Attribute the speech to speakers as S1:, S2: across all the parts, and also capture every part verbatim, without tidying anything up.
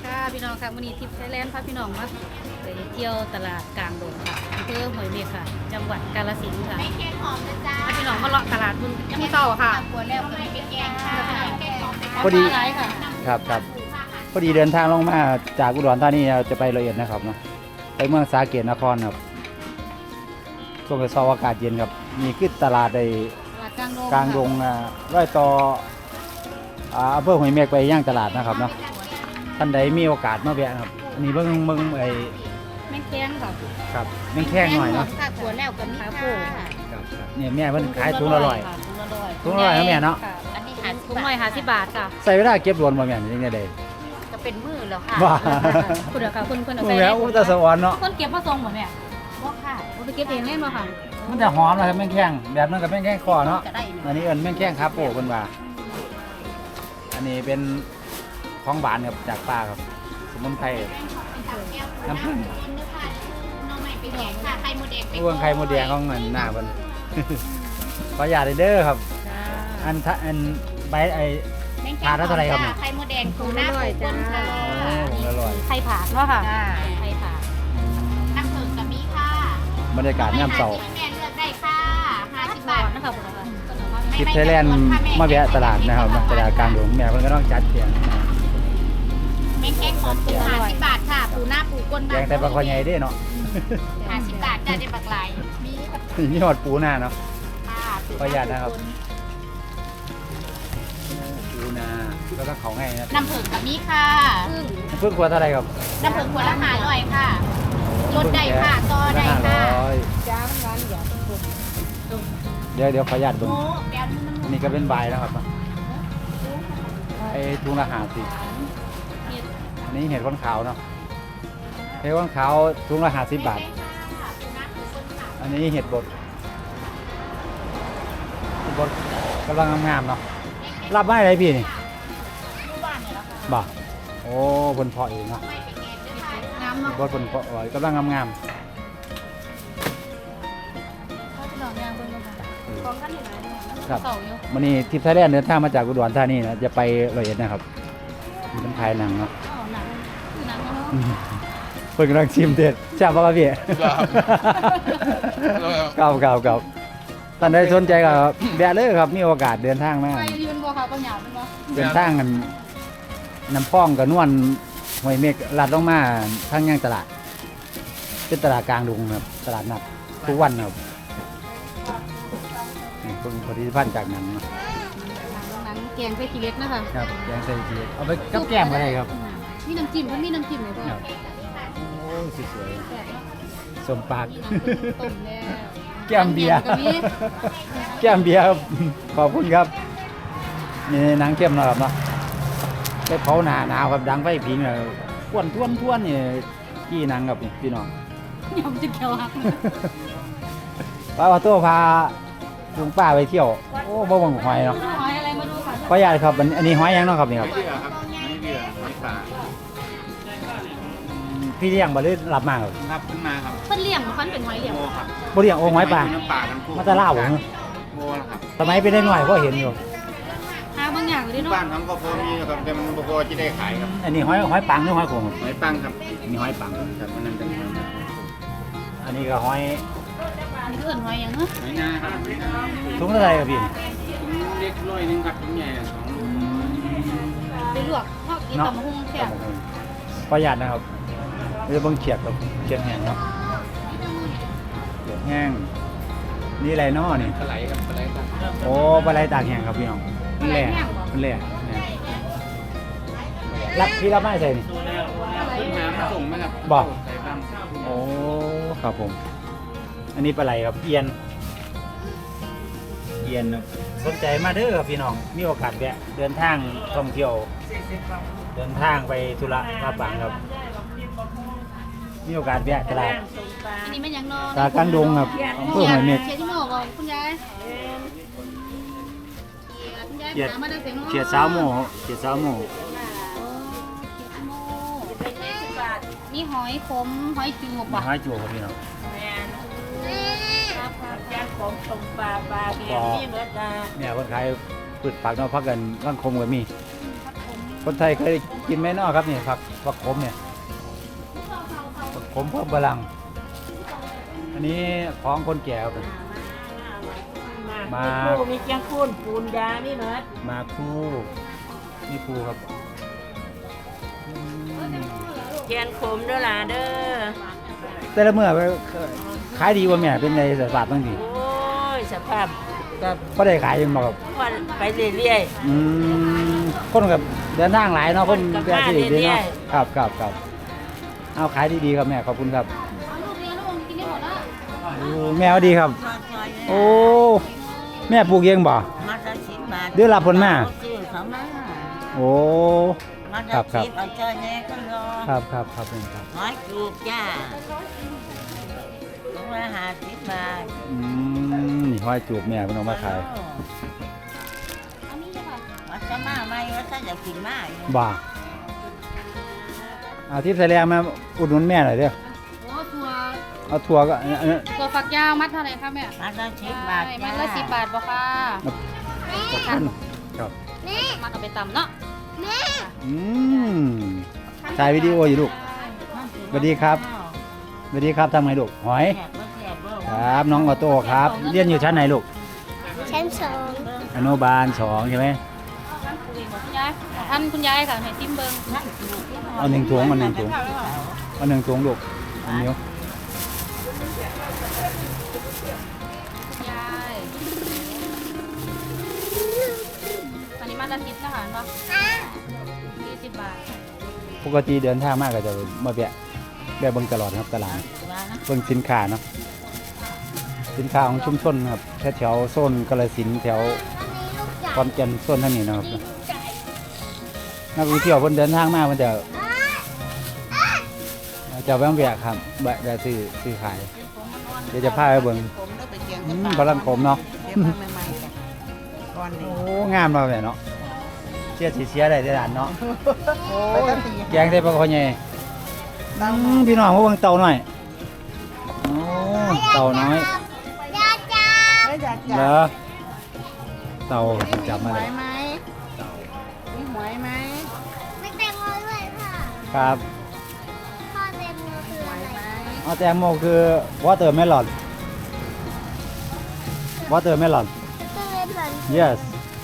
S1: ค่ะพี่น้องค่ะวันนี้ทิพย์ไทยแลนด์พาพี่น้องมาไปเที่ยวตลาดกลางดงค่ะอำเภอห้วยเมฆค่ะ จังหวัดกาฬสินธุ์ค่ะ
S2: ไม่แกงหอมนะจ๊ะ
S1: พาพี่น้องมาเลาะตลาดบุญที่เก่าค่ะ
S2: หัวแล้วก็ไม่แกงค่ะแกงหอม
S3: พอดี
S1: ร้ายค่ะ
S3: ครับครับพอดีเดินทางลงมาจากอุดรธานีจะไปร้อยเอ็ดนะครับเนาะไปเมืองสาเกตนครครับช่วงเช้าอากาศเย็นครับมีขึ้นตลาดใน
S1: ตลาดกลางดง
S3: กลางดงอ่าร้อยต่ออ่าอำเภอห้วยเมฆไปย่างตลาดนะครับเนาะท่านใดมีโอกาสมาแวะครับอันนี้เบิ่งเบิ่งไอ้
S1: แม่งแข้งค่ะ
S3: ครับแม่งแข้งหน่อยเนาะ
S2: ค่ะหัวแล้วก็มี
S1: ขา
S2: ค่ะ
S1: โป่ง
S3: ครับครับเนี่ยแม่เพิ่นขายถุงละร้อย
S1: ค่ะถุงละร้อย
S3: ถุงละร้อยนะแม่เนาะ
S1: ค่
S2: อันนี้หา
S1: ถุงร้อยห้าสิบบาทค่ะ
S3: ใส่เวลาเก็บรวนบ่แม่นจังได๋
S2: ก็เป็นมือแล้วค่ะ
S3: ว่า
S1: คุณเดี๋ยวค่ะคุณคุณเอา
S3: โอ้
S1: ใส่
S3: แม่อุตสวรรค์เนาะ
S1: คนเก็บมาส่งหมดเนี่ย
S2: บ่ค่ะ
S1: เอาไปเก็บเองแน่นอนค่ะ
S3: มันจะหอมนะครับแม่งแข้งแบบนั้นกับแม่งแข้งคอเนาะ
S2: ก็ได้
S3: อันนี้เอิ้นแม่งแข้งคาโป้เพิ่นว่า อันนี้เป็นของหวานครับจากป่าครับ สมุนไพรน้ำผึ้ง
S2: น้องใหม่ไปแกงค่ะไข่มดแดงไป
S3: พวงไข่มดแดงของเงินหน้าเพิ่น ขออนุญาตเด้อครับ อันทะอันใบไอ้ ทานแล้วเท่าไหร่ครับเนี่ย
S2: ไข่มดแดงปูหน้าปูก้นค่ะ
S3: โอ้อร่อย
S1: ไข่ผาดเนาะค่ะ
S2: จ้า
S1: ไข่ผาด
S2: น้ำผึ้งก็มีค่ะ
S3: บรรยากาศยามเช้า
S2: แม่เลือกได้ค่ะห้าสิบบาท
S1: นะคะผมนะคะ
S3: คลิปไทยแลนด์มาแวะตลาดนะครับมาตลาดกลางดงแม่เพิ่นก็ต้องจัดเพียง
S2: แม่งแกงหอมปูห้าสิบบาทค่ะ ปูหน้าปูก้น
S3: แกงแต่ปลาคอใหญ่เด้เนาะ
S2: ห้าสิบบาทจ้าได้ปลากไหลมี
S3: นี่หอดปูหน้าเนาะ
S2: ค่ะ
S3: ขออนุญาตนะครับ ปูนาแล้วก็เขาไงนะ
S2: น้ำผึ้งกับมีค่ะ
S1: ซึ่ง
S3: เพิ่งขวดเท่าไหร่ครับ
S2: น้ำผึ้งขวดละห้าร้อยค่ะลดได้ค่ะต่อได้
S3: ห้า
S2: ค่ะ
S3: ร้อย
S1: จ้ามันร้านเดี๋ยว
S3: เดี๋ยวเดี๋ยวขออนุญาตเบิ่ง
S2: โอ้แก้วนี่มัน
S3: อันนี้ก็เป็นใบนะครับไอ้ทุงละหาสิอันนี้เห็ดข้นขาวเนาะเห็ดข้นขาวทุงละหาสิบบาท อันนี้เห็ดบดเห็ดบดกำลังงามๆเนาะรับไม่อะไรพี่นี่บ่โอ้บนเพาะเองเนาะ
S1: น้ำเนาะ
S3: บดบนเพาะไว้กำลังงาม
S1: พี่น้องย่างเบิ่งกันค่ะของกันอยู่ไหนเนี่ย
S3: ๆครับ
S1: เสาอยู่
S3: วันนี้ทิพย์ไทยแลนด์เดินทางมาจากอุดรธานีนะจะไปร้อยเอ็ดนะครับเป็นถ่ายหนังเนาะ
S1: อ๋อหนังคือหนังเนาะ
S3: อืมเพิ่งกำลังชิมเด็ดชอบป่ะพี่ เก่าเก่าเก่าตอนใดสนใจก็แวะเลยครับมีโอกาสเดินทางมา
S1: ไปยืนบ่ค่ะปัญญาเป็นบ่
S3: เดินทางกันน้ำพ้องกับนวลห้วยเมฆลัดลงมาทางย่างตลาด เป็นตลาดกลางดงครับตลาดนัดทุกวันครับนี่เพิ่งผลิตภัณฑ์จากหนังเนาะ
S1: หนังแกงไส้ขี้เล็กนะคะ
S3: ครับแกงใส่ทีเอาไปกับแก้มอะไรครับ
S1: มีน้ำจิ้มมันมีน้ำจิ้มไหมพ่อ
S3: ครับโอ้สวย
S1: แซ่บเนาะ
S3: ๆสมปาก
S1: มีน้ำจิ้มต้มแล้ว
S3: แก้มเบียร์
S1: ก็มี
S3: แก้มเบียร์ครับ ขอบคุณครับนี่หนังเข้มเนาะครับเนาะไปเผาหนาหนาวครับดังไฟผิงเลยทวนทวนทวนนี่กี่หนังครับนี่พี่น้อง
S1: ยำจิ้มเขียวหัก
S3: ป้าว่าตัวพาลุงป้าไปเที่ยวโอ้บ่บังหอยเนาะ
S1: หอยอะไรมาดูค่ะ
S3: ขออนุญาตครับอันอันนี้หอยยังเนาะครับนี่ครับ
S4: เบื่อครับไม่เบื่อไม่ป่า
S3: พี่เลี้ยงบ่หรือรับมาครับ
S4: รับขึ้นมาครับ
S1: เพิ่นเลี้ยงมันเป็นหอยเลี้ยง
S4: โมครับ
S3: บ่เลี้ยงโอ้หอยป่า
S4: น้ำป่าทั้งคู่
S3: มาแตะล่าวบ่เหรอ
S4: โมนะครับ
S3: สมัยเป็นได้หน่อยก็เห็นอยู่
S1: หาบางอย่างเลยเนาะ
S4: บ้านทั้งก็พอมีนะครับแต่มันบ่พอจะได้ขายครับ
S3: อันนี้หอยหอยปังหรือหอยโขงครับ
S4: หอยปังครับ
S3: อันนี้หอยปัง
S4: ครับมันนั่นเป็นหอยนา
S3: อันนี้ก็หอย
S1: อันนี้คือเอิ้นหอยหยังเนาะ
S4: หอยนาครับหอยนา
S3: ถุงเท่าไหร่ครับพี่นี่
S4: ถุงเล็กร้อยหนึงครับถุงใหญ่สองลูก
S1: ไปลวกเฮากินตำบักหุ่งแซ่บ
S3: ขออนุญาตนะครับเดี๋ยวเบิ่งเขียดครับเขียดแห้งเนาะเขียดแห้งนี่อะไรเนาะนี่
S4: ปลาไหลครับปลาไหลครับ
S3: โอ้ปลาไหลตากแห้งครับพี่น้องมันแหล่มันแหล่เนี่ยรับพี่รับไม่ใส่นี่
S4: ขึ้นมามาส่งไหมครับ
S3: บอก
S4: ใส่บ้าง
S3: โอ้ครับผม อันนี้ปลาไหลครับเอียนเอียนครับสนใจมาเด้อครับพี่น้องมีโอกาสแวะเดินทางท่องเที่ยวเดินทางไปธุระมาปังครับมีโอกาสแวะตลาด
S1: อันนี้มันหยังเนาะ
S3: ตลาดกลางดงครับอำเภอห้วยเม็ด
S1: เขียดที่หม้อบ่คุณยายคุณยาย
S3: เขียด
S1: หามาได้เสียงเนาะ
S3: เขียดสาวโมเขียดสาวโม
S1: มีหอยขมหอยจูบ
S3: มี
S1: ป่ะ
S3: ห้อยจั่วครับพี่น้อง
S2: ย่างของตรงปลาปลาเบียร์นี่เบิดละ
S3: เนี่ยคนขายพืชผักเนาะพักกันร่างคมก็มีคนไทยเคยกินไหมเนาะครับนี่ผักผักขมเนี่ยผักขมเพิ่มพลังอันนี้ของคนแก่ครับ มา
S5: ปูมีเกียงคูนปูนยานี่เหมือน
S3: มาคู่นี่ภูครับอืม
S5: เกียงขมเด้อล่ะเด้อ
S3: แต่ละเมื่อไปขายดีกว่าแม่เป็นในสภาพบางที
S5: โอ้ยสภาพก็
S3: ก็ได้ขายยังบอกครับ
S5: วันไปเรื่อย
S3: อืมคนกับเดินทางหลายเนาะคน
S5: คนกับ
S3: แบบที่ดี
S5: บ้านเรื่
S3: เนาะ
S5: อย
S3: ครับครับครับเอาขายดีๆครับแม่ขอบคุณครับ
S1: เอาลูกเรียนลูกกินได้หมดแล้ว
S3: โอ้แม่เอาดีครับ โอ้แม่ปลูกเองบ่
S5: มาจะสิบบาท
S3: เดือนละผลมา
S5: ซื้อเขามา
S3: โอ้
S5: มา
S3: ครั
S5: จะ
S3: บครับ
S5: สิบเอาเจ้าแน่ก็รอ
S3: ครับครับครับเป็นครับ
S5: น้อยจูบจ้าลงมาหาสิบบาท
S3: อืมนี่ห้อยจูบแม่เพิ่นเอามาขาย
S1: อันนี้ใช่ป่ะ
S5: ว่าจะมาไหมว่าจะอยากกินมาอยู่
S3: บ่าเอาทิพย์ใส่แรงมาอุดหนุนแม่หน่อยเด้อ
S1: โอ้ตัว
S3: เอาถั่วก็อันนั้น
S1: ตัวฝักยาวมัดเท่าไหร่คะแม่
S5: มาจะสิบบาท
S1: ใช่
S5: จ้า
S1: มัดละสิบบาทบ่ค่ะ
S3: ขอบคุณครับ
S1: มัดเอาไปตำเนาะ
S3: อืมถ่ายวิดีโออยู่ลูก สวัสดีครับ สวัสดีครับทำไงลูกหอย
S5: แซ่บบ่แซ่บบ่
S3: ครับน้องออโต้ครับ เรียนอยู่ชั้นไหนลูก
S2: ชั้นสอง
S3: อนุบาลสองใช่ไหม
S1: คุณยายท่านคุณยายค่ะให้ซิมเบิ้ง
S3: เอาหนึ่งถุงเอาหนึ่งถุงเอาหนึ่งถุงลูกอันนิ้ว
S1: คุณยายอันนี้มัดละสิบนะคะเนาะยี่สิบบาท
S3: ปกติเดินทางมากก็จะมาแวะแวะเบิ่งตลอดครับตลาด
S5: ว่านะ
S3: เบิ่งสินค้าเนาะสินค้าของชุมชนครับแถวแถวโซนกาฬสินธุ์แถวขอนแก่นโซนทางนี้นะครับนักท่องเที่ยวเพิ่นเดินทางมาเพิ่นจะจะแวะแวะครับแวะแวะซื้อซื้อขายเดี๋ยวจะพาไปเบิ่ง
S5: ผมได้ไปเกียง
S3: อื
S5: กับ
S3: ม
S5: ปลา
S3: พลังขมเนาะ
S5: เก็บมาใหม่ๆจ้ะก่อนนี้
S3: โอ้งามเราเลยเนาะเชียร์สีเชียร์ได้ได้ด่านเนาะโอ้ยแกงได้ปลาคอใหญ่อืมพี่น้องมาเบิ่งเต่าหน่อยโอ้เต่าน้อย
S5: ไม่อยาก
S3: เหร
S5: จะ
S3: อเต่าจับมา
S5: หว
S3: เลย ย
S5: ไหมมีหวยไหม
S2: ไม่แตงโมด้วยค่ะ
S3: ครับ
S2: พ่อแตงโมคือ
S5: หว
S2: อะ
S5: ย
S2: ไร
S5: ไหม
S3: เอาแตงโมคือวอเตอร์เมลอนวอเตอร์เมลอน
S2: ก็เลยเหมือน
S3: yes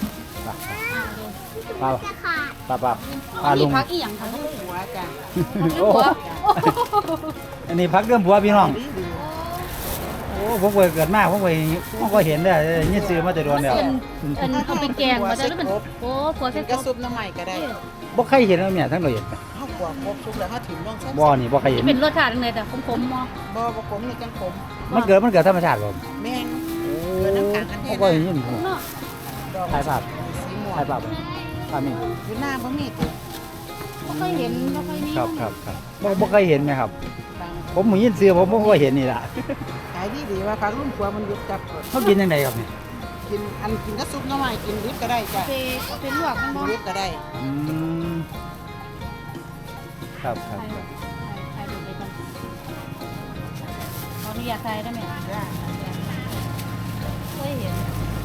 S3: ปลา
S2: จะขาด
S3: ปลาปลาปลา
S1: อัน
S3: ลุ
S1: นี้
S3: ง
S1: พักอีหยังคะ
S5: หัวจ้ะ
S3: โอ้อันนี้พักเรื่องผัวพี่น้องโอ้ผมเคยเกิดมาผมเคยผมก็เห็นได้ยินซื้อมาแต่โดนแล้ว
S1: เป็นอันเอาไปแกงมาได้หรือเป็นโอ้ผัวเส้น
S5: กระ
S1: ก
S5: ซุปน้ำใหม่ก็ได้
S3: บ่เคยเห็นแล้วเนี่ยทั้งเราเห็น
S5: ข้าวกวางครบซุปแล้วข้าวถิ่นต้องใช้
S3: บ่นี่บ่เคยเห็น
S1: เป็นรสชาติจังเลยแต่ขมๆมอ
S5: บ่บ่ผมนี่จังผม
S3: มันเกิดมันเกิดธรรมชาติบ่
S5: แม่ง
S3: โอ้
S5: เกิดน้ำกลางกันแท้
S3: ผมก็เห็นอยู่
S1: เนาะ
S3: ถ่ายภาพ
S5: สีม่วง
S3: ถ่ายภาพภาพนี่
S5: อยู่หน้าบ่มีติ
S1: บ่เคยเห็นบ่เคยมี
S3: ครับครับครับบ่บ่เคยเห็นไหมครับ
S5: บาง
S3: ผมมียินซื้อผมบ่เคยเห็นนี่ล่ะ
S5: ขายดีดีว่าฟังรุ่นครัวมันยุบจับ
S3: เขากินยังไงครับนี่
S5: กินอันกินกระซุปน้ำใหม่กินดิบก็ได้จ้ะ
S1: เอาไปเอาไปลวกมัน
S5: กิ
S1: บ่
S5: นดิบก็ได้
S3: อืมครับครับครับ
S1: ถ่ายรูปไปก่อนขออนุญาตถ่ายได้ไหม
S5: จ้ะ
S1: เคยเห็น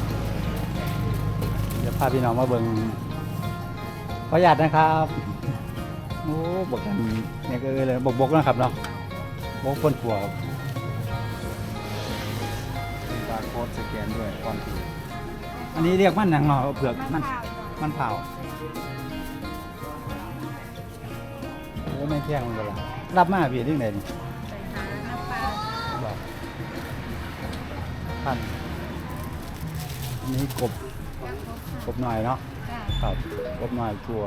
S3: เดี๋ยวพาพี่น้องมาเบิ่งขออนุญาตนะครับโอ้บอกกันเนี่ยก็เลยบกบกนะครับเนาะบกคนผัวครับบาร์โค้ดสแกนด้วยก่อนถืออันนี้เรียกมันหนังเนาะเผือกมันมันเผาโอ้ไม่แข้งมันก็ละรับมาพี่เรื่องไหนนี่บอกพันอันนี้กบกบหน่อยเนาะครับกบหน่อยชัว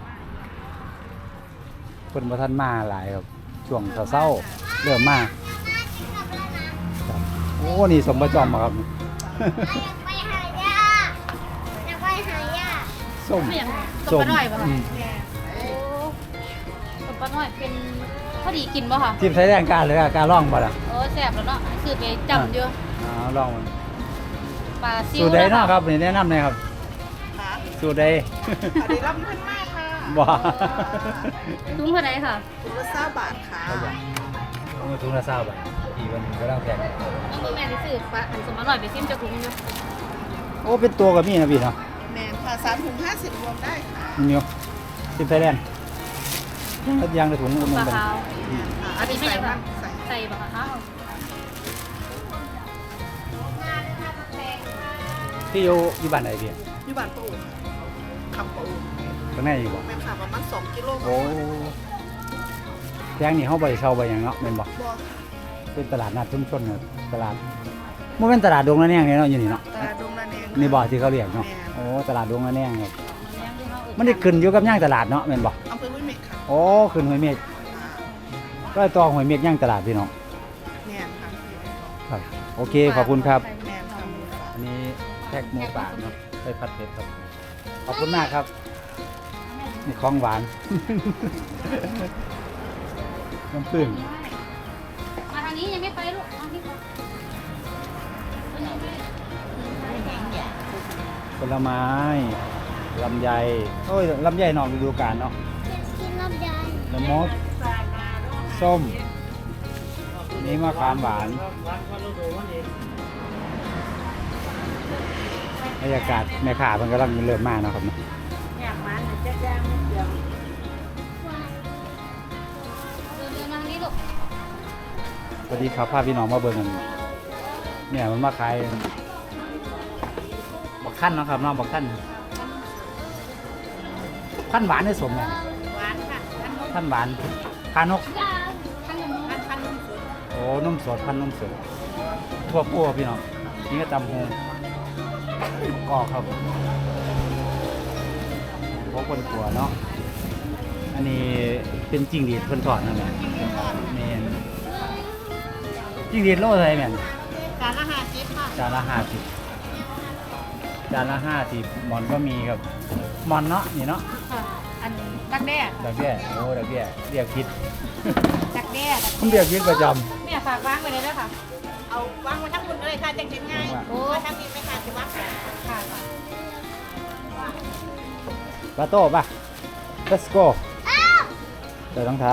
S3: เพิ่นบ่ทันมาหลายครับช่วงเศร้าๆเริ่มมาครับโอ้นี่สมประจอมอะครับ
S2: อยากไปหายาอยากไปหายา
S3: ส้ม
S1: ไม่อย่างตบปลาหน่อยป่ะ
S3: อื
S1: คะ
S3: ม
S1: โอ้ตบปลาหน่อยเป็นพอดีกินป่ะคะ
S3: ทีมใช้แรงการเลยอะการล่องบ่ล่ะ
S1: โอ้แซ่บแล้วเนาะคือไปจำอยู่
S3: อ๋อล่องมัน
S1: ปลาซิว
S3: สูตรใดเนาะครับนี่แนะนำหน่อยครับ
S5: ค่ะ
S3: สูตรใด
S5: อันนี้รับพันมากค่ะ
S3: บ่
S1: ถุงเท่าไหร่ค่ะ
S5: ถุงละเก้าบาทค่ะ
S3: เอาถุงละ20บาทอีกวันหนึงก็ต้องแพง
S1: น้องดูแม่ที่ซื้อปลาอันสมอร่อยไปซิมจะถุงอยู่
S3: โอ้เป็นตัวกับมีนะพี่เนาะ
S5: แมนค่ะสามถุงห้าสิบรวมได้ค่ะ
S3: นี่เนาะสิบไทยแลนด์ถ้ายางในถุงอุ่น
S1: ปลา
S3: ๆกัน
S1: ขาว
S5: อันนี้ใส่บ้างใส่
S1: ใส่ปลาขาว
S3: ที่อยู่อยู่บ้านไหนพี่
S5: อยู่บ้านปูคำปู
S3: ข้างในอยู่บ่
S5: แม่ค่ะประมาณสองกิโล
S3: โอ้แพงนี่เฮาบ่ได้เช่าบ่หยังเนาะแม่นบ่
S5: บ่
S3: เป็นตลาดนัดชุมชนเนาะตลาดบ่แม่นตลาดดงละแนงนี่เนาะอยู่นี่เนาะ
S5: ตลาดดงละแนง
S3: นี่บ่ที่เขาเรียกเนาะ
S5: แม่
S3: โอ้ตลาดดงละแนงครับมันได้ขึ้นอยู่กับย่างตลาดเนาะแม่นบ่
S5: อำเภอห้วยเม็กค่ะ
S3: โอ้ขึ้นห้วยเมฆ
S5: อ่า
S3: ก็ต่อห้วยเมฆย่างตลาดพี่น้อง
S5: แม่นค่ะ
S3: ครับโอเคขอบคุณครับ
S5: แม่นค่ะ
S3: อันนี้แพ็กหมูป่าเนาะไปผัดเผ็ดครับขอบคุณมากครับนี่ของหวาน น้ำผึ้ง
S1: มาทางนี้ยังไม่ไปลูกมาที่ก่อน
S3: ผลไม้ลำไยโอ้ยลำไยนอกฤดูกาลเนาะ
S2: กินลำไย
S3: ละมดส้มนี่มะขามหวานบรรยากาศแม่ค้ามันกำลังเริ่มมากเนาะครับเนาะ
S2: อยากมันจะย่างไม่เดียว
S1: เดินเดินมาทางนี้ลูก
S3: สวัสดีครับพาพี่น้องมาเบิ่งกันเนี่ยมันมาขายบักขั้นเนาะครับเน้องบักขั้นขั้นหวานได้สมเนี่ย
S2: หวานค่ะท่านน
S3: ขั้นหวานพานก
S2: ท่านนท่านท่านนุ่มสุด
S3: โอ้นุ่มสดพันนุ่มสดทั่วปั้วพี่น้องนี่ก็ตำโฮงก็ครับพวกคนกลัวเนาะอันนี้เป็นจิ้งหรีดเพิ่นทอดนั่นแหละแม่นจิ้งหรีดโลเท่าไหร่แม่น
S2: จานละห้าสิบค่ะ
S3: จานละห้าสิบจานละห้าสิบหมอนก็มีครับหมอนเนาะนี่เนาะ
S2: ค่ะอันดักแด้
S3: ดอกเบี้ยโอ้ดอกเบี้ยเรียกคิด
S2: ดักแด้
S3: ผมเรียกคิดประจ
S2: แม่ฝากวางไว้เลยด้วยค่ะ เอาวางไว้ทั้งหมดเลยค่ะจะเก็บง่ายโอ้ทั้งนี้ไม่ค่ะจะวางค่ะค่ะ
S3: ำปลาโต้ป่ะ let's go ใส่รองเท้า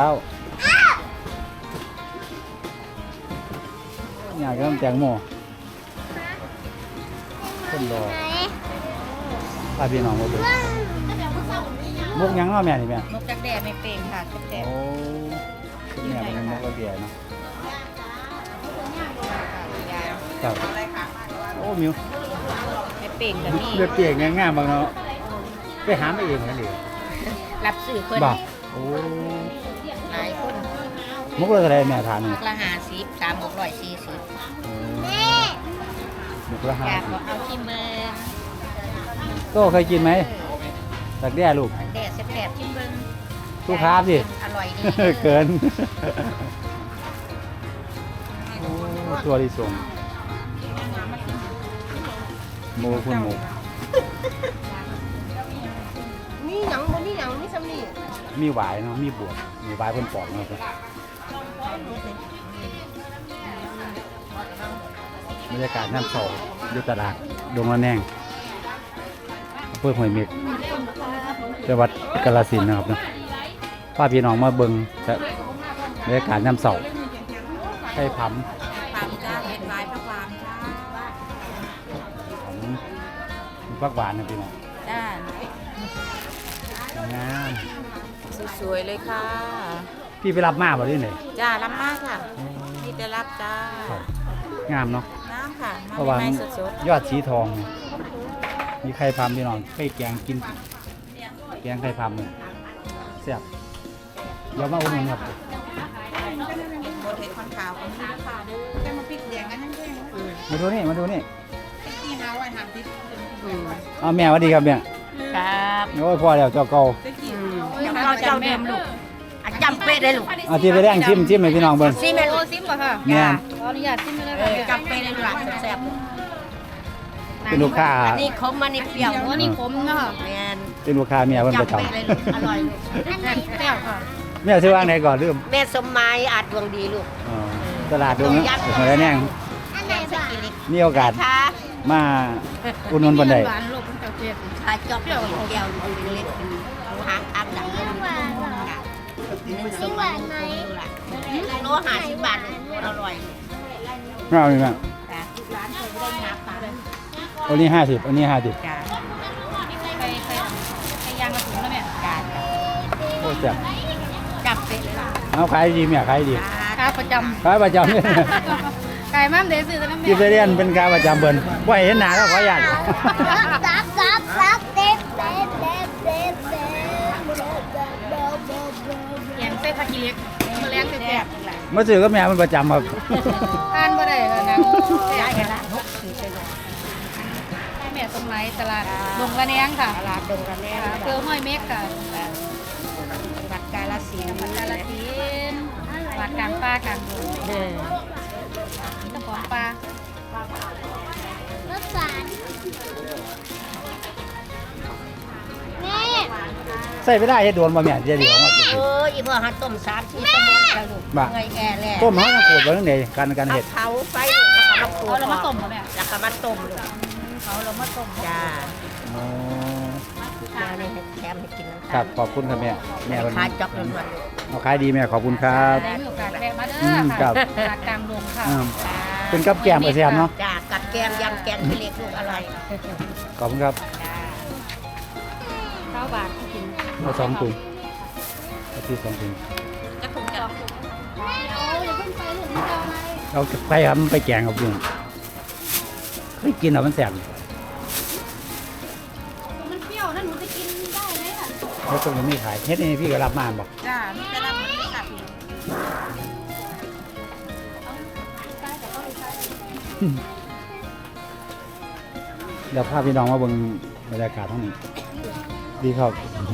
S3: อยากกินแตงโมคนรอพาพี่น้องมาดูมุกหยังเนาะแม่นี่แม่
S2: นกดักแด้ไม่เป่งค่ะนกแด้
S3: โอ้คุณแม่เป็นมุกกระเบียเนาะครับโอ้มิว
S2: ไม่เป่งกับนี่
S3: เลือดเปียกง่ายๆบางเนาะไปหามาเองนั่นเอง
S2: รับสื่อเพิ่น
S3: บ่โอ้
S2: หลายคน
S3: มุกเลยอะไรแม่ทานนี่
S2: มุกละห้าสิบสามมุกร้อยสี่สิบ
S3: มุกละห้า
S2: อยาก
S3: สิบ
S2: เอาชิมเบอร์
S3: โต้เคยกินไหมตักแด้ลูก
S2: แดดแสบๆชิมเบอร์
S3: ลูกค้าสิ
S2: อร่อยดี
S3: เกินโอ้ตัวที่ส่งหมูคุณหมู
S5: มีหยังบ่มีหยังมีซ้ำนี่
S3: มีหวายเนาะมีบวบมีหวายคนปอกเนาะครับบรรยากาศน้ำโซอยู่ตลาดดงละแนงอำเภอห้วยเม็กจังหวัดกาฬสินธุ์นะครับเนาะพาพี่น้องมาเบิ่งแต่บรรยากาศน้ำโซไข่ผำ
S2: ปามจ้าเห็ดลายพระความจ้า
S3: ของฟักหวานนะพี่น้อง
S2: จ้าง
S3: าม
S2: สวยๆเลยค่ะ
S3: พี่ไปรับมาบ่ได้ไหน
S2: จ้ารับมากค่ะพี่จะรับจ้า
S3: ครับงามเนาะ
S2: น้ำค่ะ
S3: เพราะว่า
S2: มา
S3: มัน
S2: ใหม่สด
S3: ยอดสีทอง มีไข่พำพี่น้องไปแกงกิน แกงไข่พำเลยแซ่บเดี๋ยวมาอุ่นนครับ
S2: ๆโบเทคอนขาวกันค่ะค่ะเด้อจะมาพริกแดงกันนั่นเอง
S3: มาดูนี่ มาดูนี่
S2: ที่น้าไว้ทำพริก
S3: เอาแม่สวัสดีครับแม่
S2: ครับ
S3: โอ้ยพ่อแล้วเจ้าเก่า
S2: ยังเราเจ้าเดิมลูกอ่ะจำเป๊ะเลยลูก
S3: เอาที่ไปแดงชิมชิมให้พี่น้องเบิ่ง
S2: ซีเมนต์
S1: โอ้ซิมก่อนค่ะ
S3: แม่น
S1: ขออนุญาตซิมเลย
S2: เอ
S1: ค่ะ
S2: อจำเป๊ะเลยลูกหลานแซ่บ
S3: เป็นลูกค้า
S2: อันนี้คมอันนี้เปรี้ยว
S1: หัวนี่ขมเนาะ
S2: แมน
S3: เป็นลูกค้าแม่เพิ่นประ
S2: จำ
S3: จำ
S2: เป๊ะเลยลูกอร่อยลูก
S1: แซ่บค่ะ
S3: แม่ซื้อวางไหนก่อนลืม
S2: แม่สมหมายอาจดวงดีลูก
S3: อ๋อตลาดดงนะหัวละแนง
S2: แม่สกิลิก
S3: มีโอกาส
S2: ค่ะ
S3: มาอุดหนุนบันได
S1: หวานลูกมันจะเจ็บ
S2: ขาจอบเปรี้ยวเดียวดูเล็กดูหางอักดังเลยหวานหวานไหมโลห้าสิบบาทอร่อย
S3: ไม่เอาอีกแม่
S2: จ้ะร้านเคยได้งับมาเลย
S3: อันนี้ห้าสิบอันนี้ห้าสิบ
S2: จ้า
S1: ไปไปไปยางกระสุนแล้วแม่
S2: จ้าจ้า
S3: แซ่บ
S2: จับเป็ดเลยล่ะ
S3: เอาขายดีแม่ขายดี
S1: ค้าประจ
S3: ขายประจำเนี่ย
S1: ำไก่มั่มเดซื้อแต่น้ำแม่
S3: กินไปเรียนเป็นการประจำเบิ่นบ่ให้เห็นหน้าแล้วขออนุญาต
S6: ซับซับซับเด็ดเด็ดเด็ดเด็ดเด็ด
S1: แกงเส้นผักกีเล็กมาแรงแซ่บ
S3: มาซื้อกับแม่มันประจำครับ
S1: ๆทานบ่ได้แล้วนะ
S2: ได้กันละนกคือเป็น
S1: แม่ตรงไหนตลาดดงระแนงค่ะ
S2: ตลาดดงกันแน่
S1: อำเภอห้วยเม็กค่ะ
S2: วัดกาลสินธุ์
S1: กาฬสินธุ์วัดกลางป่ากลางดง
S2: เออ
S1: เจ้าของปลาร
S6: สสารแม่
S3: ใส่ไม่ได้เฮ็ดโดนบ่แม่เดี๋ยวเดี๋ยวมาสิ
S2: เอออีพ่อหัดต้มสามสี่ชั่วโมงจ้ะลูก
S3: บ่
S2: เงยแก่แล้ว
S3: ต้มเฮาต้องขูดไว้จังได๋การการ
S2: เอา
S3: เฮ็ด
S2: เผาไฟแล้วก็มาขูด
S1: เอาเรามาต้มเหรอแม่
S2: แล้วก็มาต้มลูก
S1: เขาเรามาต้ม
S2: จ้า
S3: อ๋อ
S2: แม่นี่ให้แถมให้กินน้ำ
S3: ครับขอบคุณครับแม่แม่เพิ่น
S2: ขายจอกล้วนๆลูก
S3: เอาขายดีแม่ขอบคุณครับ
S1: ได้มีโอกาสแวะมาเด้
S3: อื
S1: อ
S3: มครั
S1: ค่ะ
S3: บ
S1: ตลาดกลางดงค่ะ
S3: อืมเป็นกับแกล้มกระเทียมเนาะ
S2: จ้ากับแกมยำแกงขี้เหล็กลูกอร่อย
S3: ขอบคุณครับ
S2: จ้า
S1: เก้าบาทกิน
S3: เอาสองถุงเอาที่สองถุง
S2: จะถุงจะ
S6: แม่โอ้ยอย่าเพิ่งไปถึงเราไง
S3: เอาไปครับมันไปแกงกับยุงเคยกินเหรอมันแสบ
S1: มันเปรี้ยวนั่นหนูจะกินได้ไหมอ่ะ
S3: แล้วตรงนี้ไม่ขายเฮ็ดนี่พี่ก็รับมาบอก
S1: จ้ามีแต่ละมันค่ะพี่
S3: เดี๋ยวพาพี่น้องมาเบิ่งบรรยากาศทั้งนี้ ดีครับ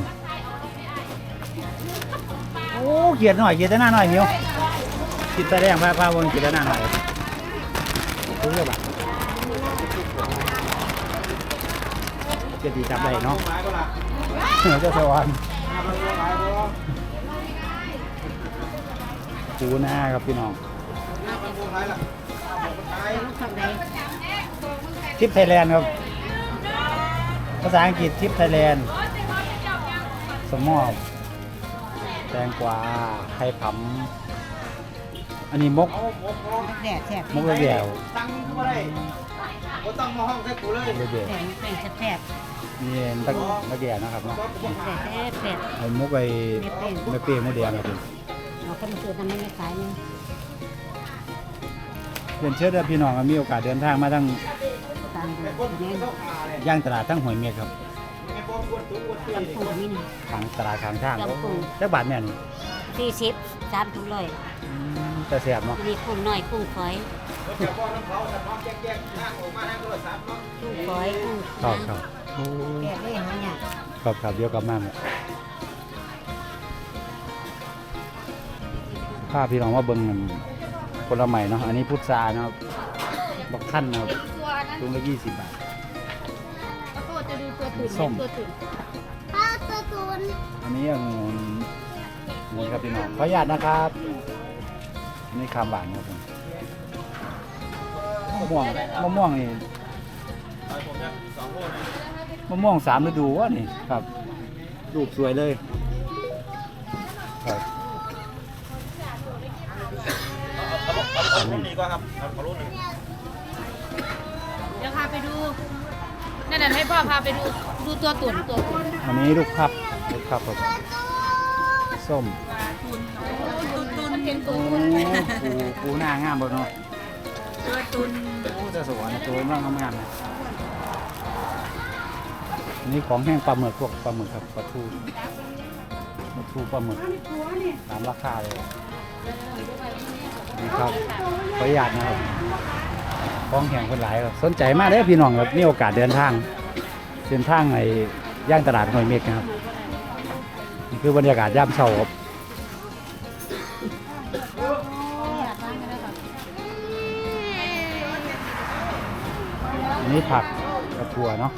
S3: โอ้เกียดหน่อยเกียดแต่หน้าหน่อยมิวกินแต่แดงพาพาเบิ่งกินแต่หน้าหน่อยรู้เรื่องบ่เกียดดีจับได้เนาะเหนือเจ้าสวรรค์ปูหน้าครับพี่น้องทริปไทยแลนด์ครับ ภาษาอังกฤษทริปไทยแลนด์สมอบแตงกวาไข่ผำอันนี้มก
S2: แดดแซ่บ
S3: มกระเดี่ยว
S4: ตั้งก็ได้บ่ต้องมาห้องใส่กูเลย
S3: มกระเดี่ยว
S2: แดงแดงแซ่บ
S3: นี่ตะมะเดี่ยวนะครับเนาะ
S2: แซ่บแซ่บ
S3: เอามกไปไม่เปรี้ยวมะเดี่ยวครับผม
S2: เราคนมาซื้อทำไม่ได้ขายนี่
S3: เรียนเชิญพี่น้องมีโอกาสเดินทางมาทั้ง
S2: ตามดูนี่
S3: ย่างตลาดทั้งหอยเมียครับ
S2: ลำพูนนี่นี่
S3: ทางตลาดทางทาง
S2: ลำพูน
S3: จักบาทแม่นี่
S2: สี่สิบสามถุงเลย
S3: อืมแต่แซ่บเนาะ
S2: มีกุ้งน้อยกุ้งฝอย
S4: เดี๋ยวพ่อน้ำเขาจะน้องแยกๆนั่งออกมาทางโทรศัพท์เนาะ
S2: กุ้งฝอยกุ้ง
S3: ครับครับโอ้
S2: แกะได้หาเนี่ย
S3: ครับครับเดี๋ยวกลับมาใหม่พาพี่น้องว่าเบิ่งมันผลไม้เนาะอันนี้พุทราเนาะบักท่านนะครับ
S1: ตัวนั้น
S3: ถุงละยี่สิบบาท
S1: แล้วก็จะดูตัวตุ่น
S3: ส้ม
S1: ตัวตุ่น
S6: ป้าตะตุน
S3: อันนี้องุ่นองุ่นครับพี่น้องขออนุญาตนะครับอันนี้คามหวานครับผมมะม่วงมะม่วงนี่มะม่วงสามฤดูวะนี่ครับลูกสวยเลยครับ
S4: เอารุ่นนี้ก็ครับเอารุ่นนี้
S1: เดี๋ยวพาไปดูนั่นน่ะให้พ่อพาไปดูดูตัวตุ่นตัวตุ่น
S3: อันนี้ลูกพับลูกพับครับส้ม
S1: ตุ่นมันเป็นตั
S3: โอ้
S1: วตุ่น
S3: ปูปูหน้างามบ่เนาะ
S1: ตัวตุ่น
S3: โอ้เจะสวยตัวร่างงามๆนะอันนี้ของแห้งปลาหมึกพวกปลาหมึกครับปลาทูปลาทูปลาหมึกตามราคาเลยนี่ครับขออนุญาตนะครับของแห้งคนหลายครับสนใจมากเลยพี่น้องครับมีโอกาสเดินทางเดินทางในย่างตลาดหอยเม็กนะครับนี่คือบรรยากาศยามเช้าครับอันนี้ผักกระถั่วเนาะ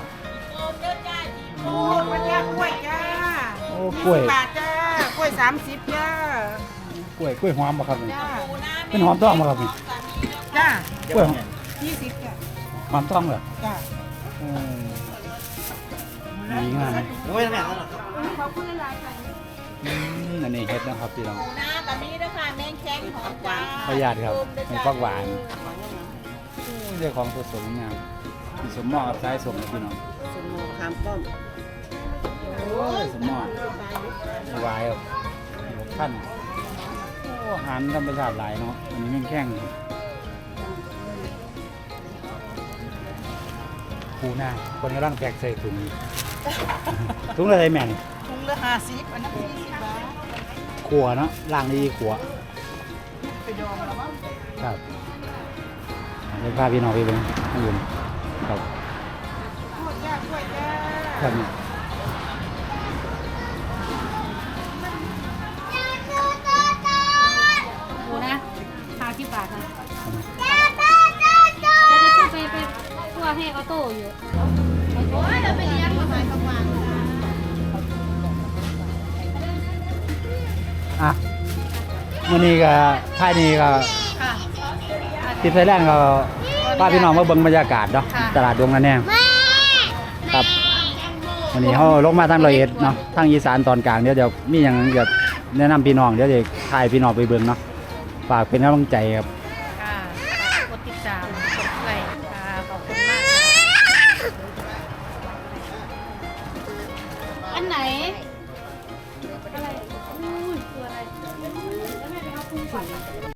S5: โอ้ยวันจ้ากล้วยจ้า
S3: โอ้กล้วย
S5: ยี่สิบบาทจ้ากล้วยสามสิบจ้าก
S3: ล้วยกล้วยหอมบ่ครับนี่
S5: จ้า
S3: เป็นหอมทองบ่ครับนี่
S5: จ้าก
S3: ล้วยหอม
S5: ยี่สิบจ้า
S3: หอมทองเหรอ
S5: จ้า
S3: อืมดีงามไหม
S4: โอ้ยแม่นั่นน่ะ
S3: อืมอันนี้เฮ็ดนะครับพี่น้อง
S2: น้ากับนี้ด้วยค่ะแมงแข้งหอมจ้า
S3: ขออนุญาตครับเป็นฟักหวานเรื่องของสดๆงามมีสมหม้อกับสายสมนะพี่น้อง
S2: สมมคามป้อม
S3: โอ้ยสมอดสบายครับหกขั้นโอ้อาหารธรรมชาติหลายเนาะอันนี้มันแข้งปูหน้าคนกำลังแพ็กใส่ถุง ถุงอะไรแม่นี่
S5: ถุงละห้าสิบอันนี้สี่สิบบาท
S3: ขัวเนาะล่างดีขัว
S5: ไปดองแล้วมั้ง
S3: ครับเดี๋ยวพาพี่น้องไปเบิ่งข้างบนครับ
S5: กล้วยจ้ากล้วยจ้า
S3: ครับนี่
S1: ปูนะห้าสิบบาทค่ะ
S6: จ้าจ้าจ้าจ้า
S1: แล้วจะไปไปคั่วให้ออโต้อยู่
S2: โอ้ยเราไปเลี้ยงมาหายกลางวัน
S3: อ่ะวันนี้ก็ท่ายนี้ก็
S1: ค่ะ
S3: ทิพย์ไทยแลนด์ก็พาพี่น้องมาเบิ่งบรรยากาศเนาะ
S1: ค่ะ
S3: ตลาดดวงนาแนงครับวันนี้เขาลงมาทางร้อยเอ็ดเนาะทางอีสานตอนกลางเดี๋ยวเดี๋ยวมีอย่างเดี๋ยวแนะนำพี่น้องเดี๋ยวจะถ่ายพี่น้องไปเบิ่งเนาะฝากเป็นกำลังใจครับ